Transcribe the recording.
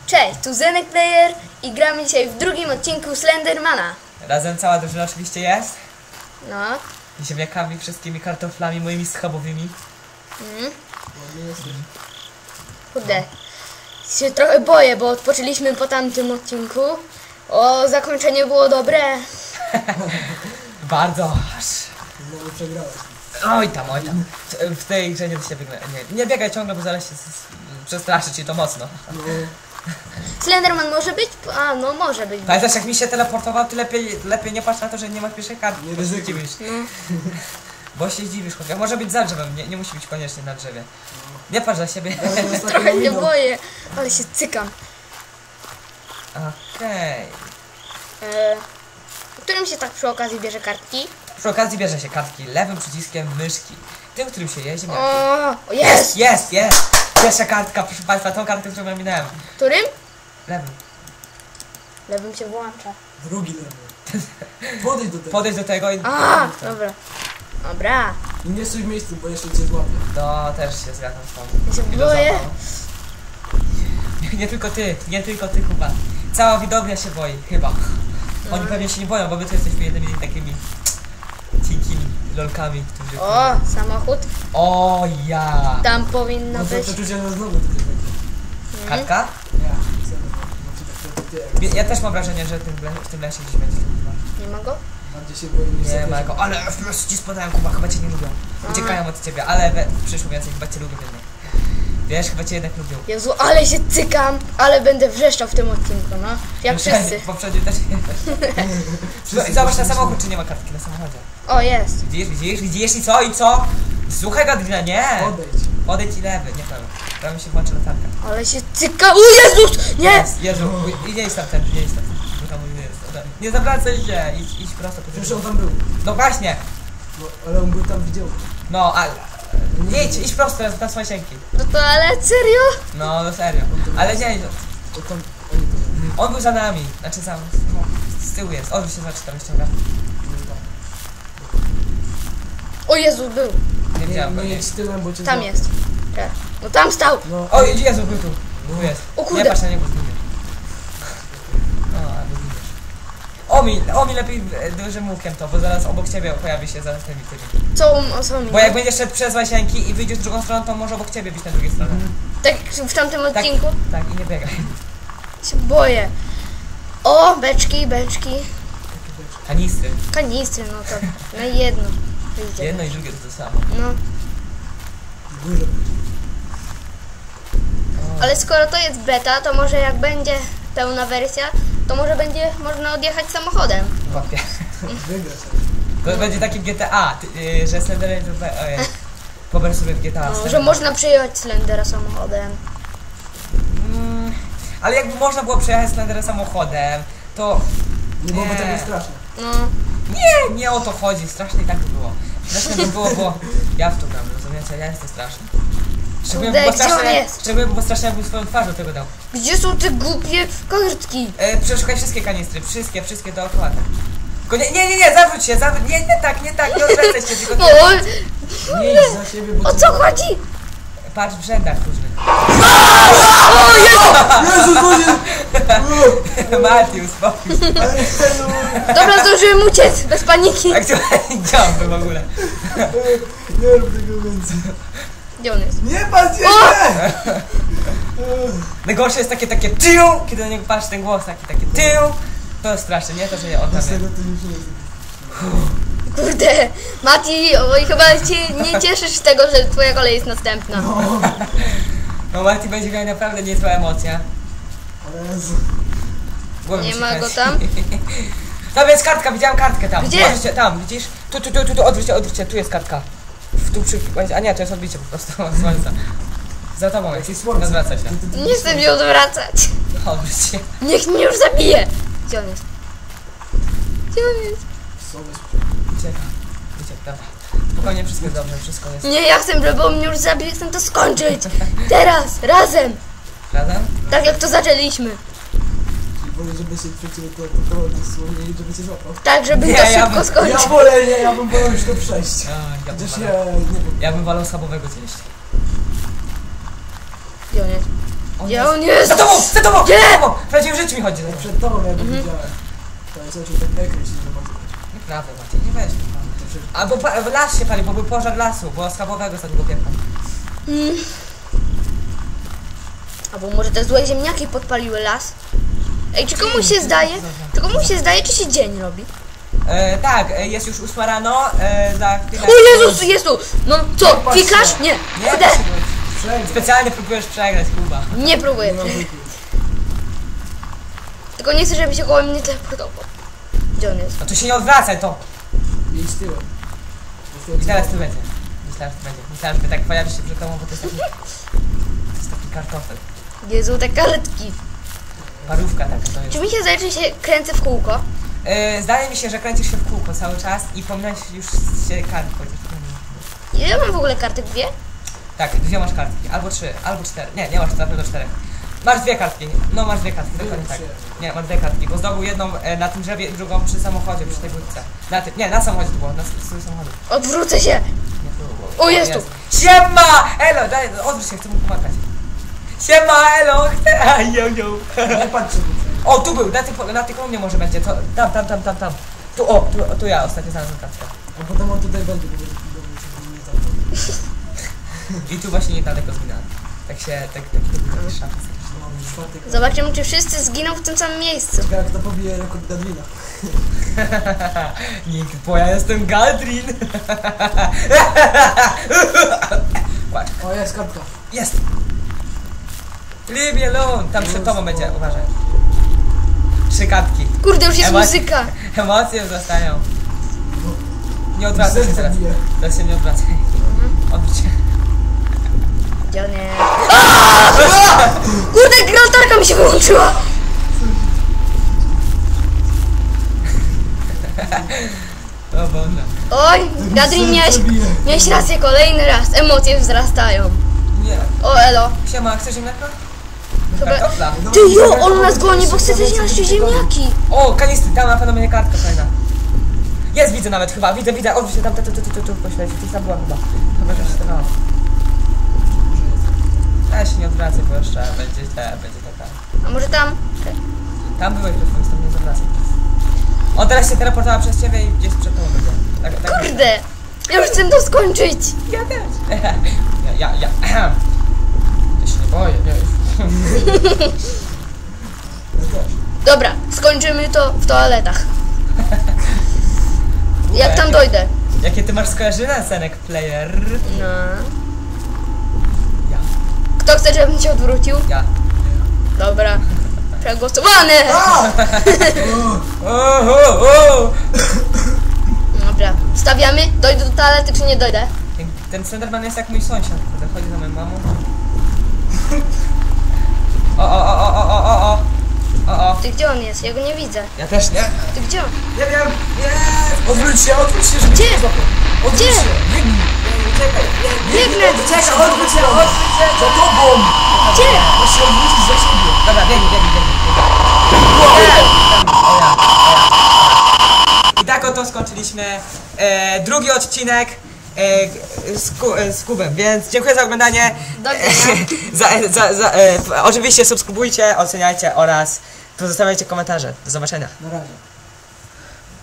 Cześć, tu Zenek Player i gramy dzisiaj w drugim odcinku Slendermana. Razem cała drużyna oczywiście jest. No. I ziemniakami, wszystkimi kartoflami moimi schabowymi. Kurde. Się trochę boję, bo odpoczęliśmy po tamtym odcinku. O, zakończenie było dobre. Bardzo aż. Znowu przegrałeś. Oj tam. W tej grze nie da się wygrać. Nie biegaj ciągle, bo zaraz się przestraszy ci to mocno. No, Slenderman może być? A, no może być. Pamiętasz jak mi się teleportował, ty lepiej nie patrz na to, że nie masz pierwszej karty. Nie bo się ryzykuj. zdziwisz. No. Bo się zdziwisz, chłopie. Może być za drzewem, nie musi być koniecznie na drzewie. Nie patrz na siebie. Trochę się boję, ale się cykam. Okej. Którym się tak przy okazji bierze kartki? Przy okazji bierze się kartki lewym przyciskiem myszki. Tym, którym się jeździ. O, jest! Jest! Pierwsza kartka, proszę Państwa, tą kartkę, którą ja minąłem. Którym? Lewym. Lewym się włącza. drugi level. Podejdź do tego. Podejdź do tego i... A, dobra. Dobra. I nie stój w miejscu, bo jeszcze cię złapię. No, też się zgadzam z tobą. Ja się I boję. do zabawy. Nie tylko ty chyba. Cała widownia się boi, chyba. Oni pewnie się nie boją, bo my tu jesteśmy jednymi takimi cienkimi lolkami, którzy... O, samochód. O ja! Tam powinno No to być. przeczucie, że znowu tutaj będzie. Kartka? Ja, Ja też mam wrażenie, że w tym lesie gdzieś będzie. Nie ma go? bardziej się boję niż Nie ma go, ale FPS ci spadają, Kuba, chyba cię nie lubią. Uciekają od ciebie, ale przyszło więcej, chyba cię lubią jednak. Wiesz, chyba cię jednak lubią. Jezu, ale się cykam, ale będę wrzeszczał w tym odcinku, no. Jak wszyscy. Poprzednio też nie. Zobacz na samochód, czy nie ma kartki na samochodzie. O, jest. Widzisz i co? Słuchaj Gadrina, nie! Odejdź. Odejdź i lewy, nie prawy. Prawy się włączy latarka. Ale się cyka. O Jezus! Nie! Jezu, nie jest tam ten, bo tam nie jest. Nie zawracaj się, idź prosto po Przecież on tam był. No właśnie, No, ale on był tam widział. no ale... Idź prosto teraz na swoje sienki. Do toalety? Serio? No serio. Ale nie, To tam, oni to on był za nami. Znaczy sam, z tyłu jest. Odwróć się, zobacz, tam ściąga. O Jezu, był. Nie widziałem go, nie nie. jedź tyłem, bo cię Tam złapię. jest. Tak. No tam stał. No, O, Jezu, był tu. Tu jest. O kurde. Nie patrz na niego, zginie. O, albo zginiesz. Omi lepiej dużym łukiem to, bo zaraz obok ciebie pojawi się zaraz ten tymi. Co mi? Bo jak będziesz szedł przez łasienki i wyjdziesz w drugą stronę, to może obok ciebie być na drugiej stronie. Tak w tamtym odcinku Tak, i nie biegaj. się boję. O, beczki. Kanistry. Kanistry, no to na jedno. Wyjdzie. Jedno i drugie to samo. No. dużo. Ale skoro to jest beta, to może jak będzie pełna wersja, to może będzie można odjechać samochodem. Łapie. Wygrasz. To będzie taki GTA, że Slender pober sobie w GTA. No, że można przejechać Slendera samochodem. Ale jakby można było przejechać Slendera samochodem, to... Nie byłoby Nie. tak straszne. No. Nie o to chodzi, strasznie i tak by było. Strasznie by było, bo ja w to gram, rozumiecie? Ja jestem straszny. Kurde, gdzie on jest? Szczególnie było strasznie, jakbym swoją twarzą tego dał. Gdzie są te głupie kartki? Przeszukaj wszystkie kanistry, wszystkie dookoła. Tylko nie, zawróć się, nie tak, nie odwracaj się, tylko No, Nie idź za siebie, bo o cię co chodzi? patrz w rzędach różnych. Jezus, Mati, uspokój się. Dobra, zdążyłem uciec, bez paniki. Jak to działamy w ogóle? Nie rób tego więcej. Gdzie on jest? Nie patrz jeszcze! Najgorsze jest takie tył, kiedy na niego patrz ten głos taki tył. To jest straszne, nie? To, że nie Z oddam. tego to już nie jest. Kurde, Mati, oj, chyba się nie cieszysz z tego, że twoja kolej jest następna. No Mati będzie miał naprawdę niezła emocja. Ale Jezu. Głowa mi Nie się ma go kręci. tam? Tam jest kartka, widziałem kartkę tam. Gdzie? Odwróć się, tam, widzisz? Tu, odwróć się, tu jest kartka. A nie, to jest odbicie po prostu od słońca. Za tobą jest, Jakieś słońce. odwracaj się. Nie chcę mnie odwracać. Odwróć się. Niech mnie już zabije. Gdzie on jest? Gdzie on jest? Uciek, dobra. Spokojnie, wszystko jest dobrze, wszystko jest. Nie, ja chcę, żeby on mnie już zabił, chcę to skończyć. Teraz, razem. Razem? Tak jak to zaczęliśmy. Wolę, żeby się przeciwko dosłownie i żeby cię złapał. Tak, żeby Nie, to ja szybko bym- skończyć. Ja wolę, nie, ja bym wolał już to przejść. Ja bym Chociaż wolał- ja nie wiem. Ja bym wolał schabowego zjeść. Gdzie on jest? O Gdzie on jest? Za tobą! Za tobą! Gdzie? Za tobą! W prawdziwym życiu mi chodzi za tobą. Przed tobą ja go widziałem. To jest oczy tak ekran się zobaczyć. Nieprawda, Maciej, nie weź. Albo las się pali, bo był pożar lasu, bo schabowego za niego piekła. Albo może te złe ziemniaki podpaliły las? Ej, czy komuś się zdaje? Czy komuś się zdaje, czy się dzień robi? Tak, jest już 8 rano, za chwilę... O Jezus, jest tu! No co, patrzcie. klikasz? Nie. Nie, Kurde. Przegrał. specjalnie próbujesz przegrać, Kuba. Nie próbuję. No, Tylko nie chcę, żeby się koło mnie teleportował. Gdzie on jest? No to się nie odwracaj, to! Idź tyłem. I teraz tu będzie. Myślałem, że tu będzie. Myślałem, że ty tak pojawisz się przed tobą, bo to jest taki... To jest taki kartofel. Jezu, te kartki. Parówka taka to jest. Czy mi się zdaje, że się kręcę w kółko? Zdaje mi się, że kręcisz się w kółko cały czas i pominąłeś już się kart chociaż. Ile ja mam w ogóle kartek? 2? Tak, 2 masz kartki. Albo 3, albo 4. Nie masz na pewno 4. Masz 2 kartki. No masz 2 kartki, dokładnie tak. Nie, masz 2 kartki, bo zdobył jedną na tym drzewie, drugą przy samochodzie, przy tej budce. Na samochodzie to było, na stój samochodu. Odwrócę się. Nie było. O, jest tu. Siema! Elo, daj, odwróć się, chcę mu pomagać. Siema, elo! Jojo! Nie patrzcie. O, tu był, na tej kolumnie może będzie, to, tam. Tu ja ostatnio znalazłem kartkę. A potem on tutaj będzie, bo będzie nie zabrał. I tu właśnie niedaleko zginąłem. Tak szans. No, czwartek. Zobaczymy, czy wszyscy zginą w tym samym miejscu. Ciekawe, kto pobije rekord Gadwina. Nikt, bo ja jestem Galdrin. Patrz, O, jest kartka. jest! Leave me alone! Tam przed tobą będzie, uważaj. 3 kartki. Kurde, już jest Emocje- muzyka. Emocje wzrastają. Nie odwracaj się Serce teraz. bije. Teraz się nie odwracaj. Odwróć się. Gdzie on jest? Aaaa! Kurde, latarka mi się wyłączyła. O Boże. Oj, Gadrin, miałeś rację kolejny raz. Emocje wzrastają. Nie. O, elo. Siema, chcesz ziemniaka? Chyba- Kartofla. Ty jo, on nas goni, bo chce też nasze ziemniaki. O, kanistry, tam na pewno będzie kartka fajna. Jest, widzę nawet chyba, widzę, odwróć się tam, tu, pośledź, gdzieś tam była chyba. Chyba, że się stawała. Ja się nie odwracaj, bo jeszcze będzie taka. A może tam? Tam byłeś przed twoim stopniem, nie zawracaj. On teraz się teleportowała przez ciebie i gdzieś przed tobą będzie. Tak Kurde, ja już chcę to skończyć. Ja też. Ja się nie boję, wiesz. Ja też. Dobra, skończymy to w toaletach. Jak tam dojdę? Jakie ty masz skojarzenia, Senek Player? No. Ja. Kto chce, żebym się odwrócił? Ja. Dobra. Przegłosowane! O! Dobra. Stawiamy? Dojdę do toalety, czy nie dojdę? Ten Slenderman jest jak mój sąsiad, który chodzi za moją mamą. O. Ty gdzie on jest? Ja go nie widzę. Ja też nie. Ty gdzie on? Nie wiem. Odwróć się, żeby Gdzie? nie złapał. Odwróć Gdzie? się. Biegnij. Czekaj. Biegnę! Czekaj, odwróć się. Za tobą. Gdzie? Masz się odwrócić za siebie. Dobra, biegnij. I tak oto skończyliśmy drugi odcinek z Kubem, więc dziękuję za oglądanie. Do widzenia. Oczywiście subskrybujcie, oceniajcie oraz pozostawiajcie komentarze. Do zobaczenia. Na razie.